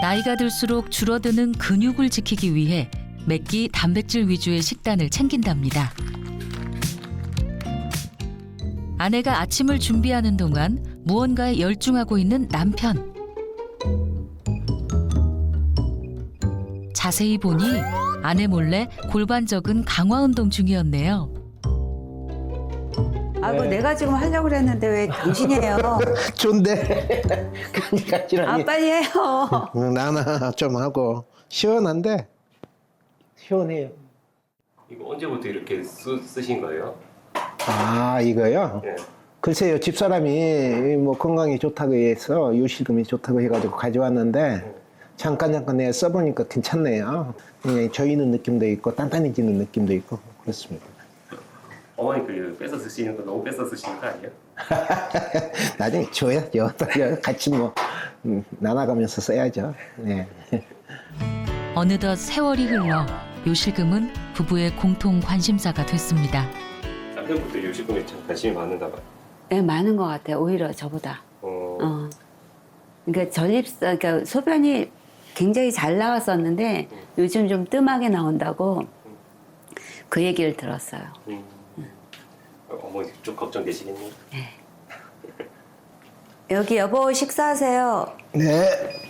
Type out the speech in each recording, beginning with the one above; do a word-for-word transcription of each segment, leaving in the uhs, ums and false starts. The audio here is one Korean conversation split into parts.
나이가 들수록 줄어드는 근육을 지키기 위해 맵기 단백질 위주의 식단을 챙긴답니다. 아내가 아침을 준비하는 동안 무언가에 열중하고 있는 남편. 자세히 보니 아내 몰래 골반 적은 강화 운동 중이었네요. 아이고, 내가 지금 하려고 그랬는데 왜 당신이 해요? 좋은데. 그러니까 지랄이. 아, 빨리 해요. 응, 나나 좀 하고 시원한데 시원해요. 이거 언제부터 이렇게 쓰, 쓰신 거예요? 아 이거요? 예. 글쎄요, 집사람이 뭐 건강에 좋다고 해서 요실금이 좋다고 해가지고 가져왔는데 잠깐 잠깐 내가 써보니까 괜찮네요. 그냥 조이는 느낌도 있고 단단해지는 느낌도 있고 그렇습니다. 어머니 그 뺏어 쓰시는 거 너무 뺏어 쓰시는 거 아니에요? 나중에 줘야죠. 같이 뭐 음, 나눠가면서 써야죠. 네. 어느덧 세월이 흘러 요실금은 부부의 공통 관심사가 됐습니다. 남편분도 요식금에 참 관심이 많은가 봐요. 네, 많은 것 같아요. 오히려 저보다. 어, 어. 그러니까 전립선, 그러니까 소변이 굉장히 잘 나왔었는데 요즘 좀 뜸하게 나온다고 그 얘기를 들었어요. 음. 어머니 좀 걱정되시겠네요. 여기 여보 식사하세요. 네.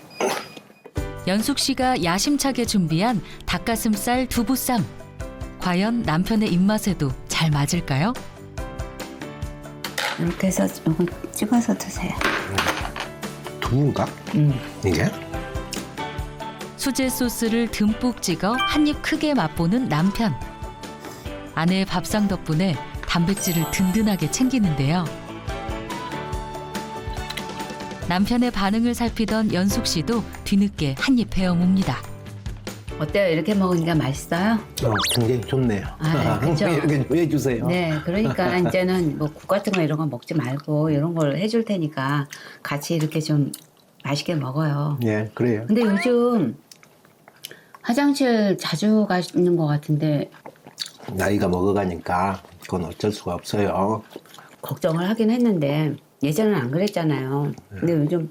연숙 씨가 야심차게 준비한 닭가슴살 두부쌈. 과연 남편의 입맛에도 잘 맞을까요? 이렇게 해서 이거 찍어서 드세요. 두부인가? 음. 이게? 수제 소스를 듬뿍 찍어 한 입 크게 맛보는 남편. 아내의 밥상 덕분에 단백질을 든든하게 챙기는데요. 남편의 반응을 살피던 연숙 씨도 뒤늦게 한 입 베어 뭅니다. 어때요? 이렇게 먹으니까 맛있어요? 어, 굉장히 좋네요. 아, 그쵸. 이렇게 좀 해주세요. 네, 그러니까 이제는 뭐 국 같은 거 이런 거 먹지 말고 이런 걸 해줄 테니까 같이 이렇게 좀 맛있게 먹어요. 네, 그래요. 근데 요즘 화장실 자주 가시는 것 같은데 나이가 먹어가니까 그건 어쩔 수가 없어요. 걱정을 하긴 했는데 예전엔 안 그랬잖아요. 근데 요즘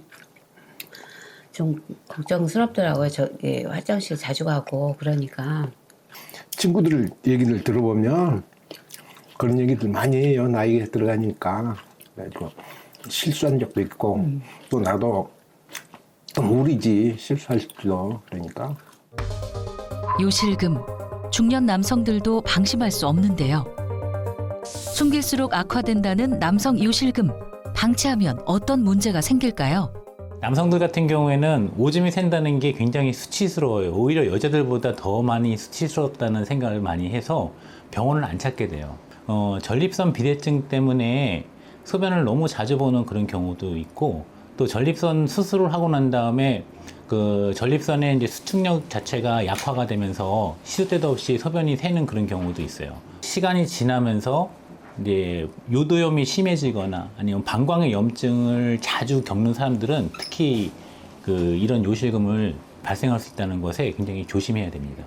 좀 걱정스럽더라고요. 저 예, 화장실 자주 가고 그러니까. 친구들 얘기를 들어보면 그런 얘기들 많이 해요. 나이가 들어가니까. 그래가지고 실수한 적도 있고 음. 또 나도 또 무리지 실수할 수도. 그러니까 요실금. 중년 남성들도 방심할 수 없는데요. 숨길수록 악화된다는 남성 요실금. 방치하면 어떤 문제가 생길까요? 남성들 같은 경우에는 오줌이 샌다는 게 굉장히 수치스러워요. 오히려 여자들보다 더 많이 수치스럽다는 생각을 많이 해서 병원을 안 찾게 돼요. 어, 전립선 비대증 때문에 소변을 너무 자주 보는 그런 경우도 있고, 또 전립선 수술을 하고 난 다음에 그 전립선의 이제 수축력 자체가 약화가 되면서 시도 때도 없이 소변이 새는 그런 경우도 있어요. 시간이 지나면서 이제 요도염이 심해지거나 아니면 방광의 염증을 자주 겪는 사람들은 특히 그 이런 요실금을 발생할 수 있다는 것에 굉장히 조심해야 됩니다.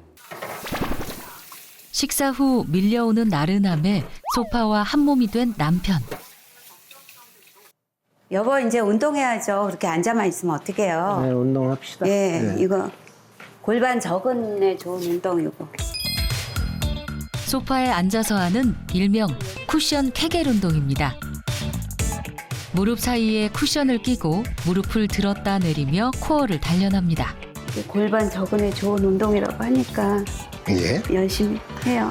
식사 후 밀려오는 나른함에 소파와 한몸이 된 남편. 여보 이제 운동해야죠. 그렇게 앉아만 있으면 어떡해요. 네, 운동합시다. 예, 네. 이거 골반 적은에 좋은 운동이고. 소파에 앉아서 하는 일명 쿠션 케겔 운동입니다. 무릎 사이에 쿠션을 끼고 무릎을 들었다 내리며 코어를 단련합니다. 골반 적은에 좋은 운동이라고 하니까 예. 열심히 해요.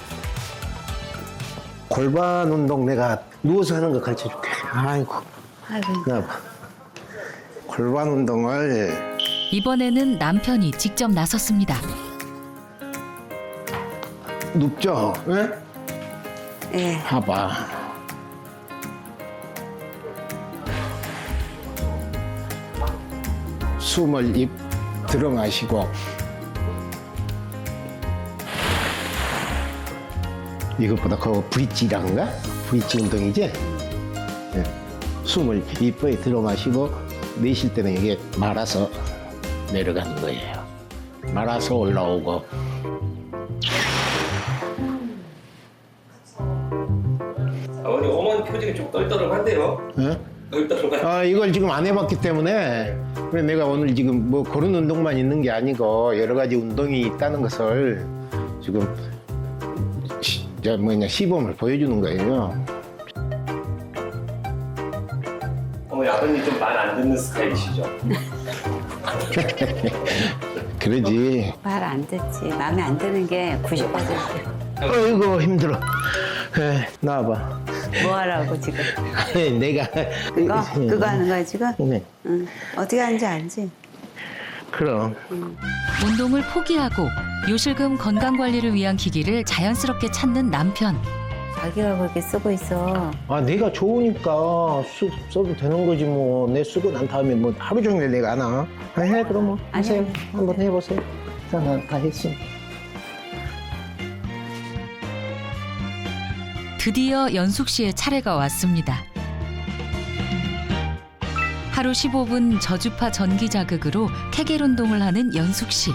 골반 운동 내가 누워서 하는 거 가르쳐 줄게. 아이고. 아이고. 나 골반 운동을 이번에는 남편이 직접 나섰습니다. 눕죠? 예? 예. 봐봐. 숨을 입 들어 마시고 이것보다 그거 브릿지란가? 브릿지 운동이지? 예. 숨을 입에 들어 마시고 내쉴 때는 이게 말아서 내려가는 거예요. 말아서 올라오고. 어머니 어머니 표정이 좀 떨떠름한데요? 예? 떨떠름한. 아, 이걸 지금 안 해봤기 때문에 그래 내가 오늘 지금 뭐 그런 운동만 있는 게 아니고 여러 가지 운동이 있다는 것을 지금 시, 저 뭐냐 시범을 보여주는 거예요. 어머니 아버님 좀 말 안 듣는 스타일이시죠? 그러지. 말 안 듣지. 마음에 안 드는 게 구십 퍼센트. 어이구 힘들어. 에, 나와봐. 뭐 하라고 지금? 내가 그거? 그거 하는 거야 지금? 네. 응. 어떻게 하는지 알지? 그럼 운동을 포기하고 요실금 건강 관리를 위한 기기를 자연스럽게 찾는 남편. 자기가 그렇게 쓰고 있어. 아 내가 좋으니까 쓰, 써도 되는 거지 뭐. 내 쓰고 난 다음에 뭐 하루 종일 내가 안 와. 아, 해 그럼 뭐 하세요. 아니야. 한번 해보세요. 나다 했으니. 드디어 연숙 씨의 차례가 왔습니다. 하루 십오 분 저주파 전기 자극으로 케겔 운동을 하는 연숙 씨.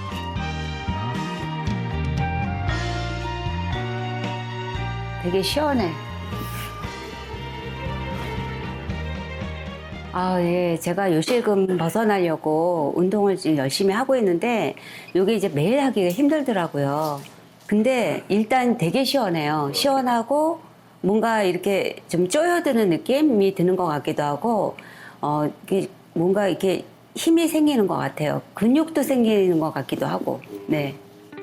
되게 시원해. 아, 예. 제가 요실금 벗어나려고 운동을 지금 열심히 하고 있는데 이게 이제 매일 하기가 힘들더라고요. 근데 일단 되게 시원해요. 시원하고 뭔가 이렇게 좀 쪼여드는 느낌이 드는 것 같기도 하고 어, 이게 뭔가 이렇게 힘이 생기는 것 같아요. 근육도 생기는 것 같기도 하고. 네.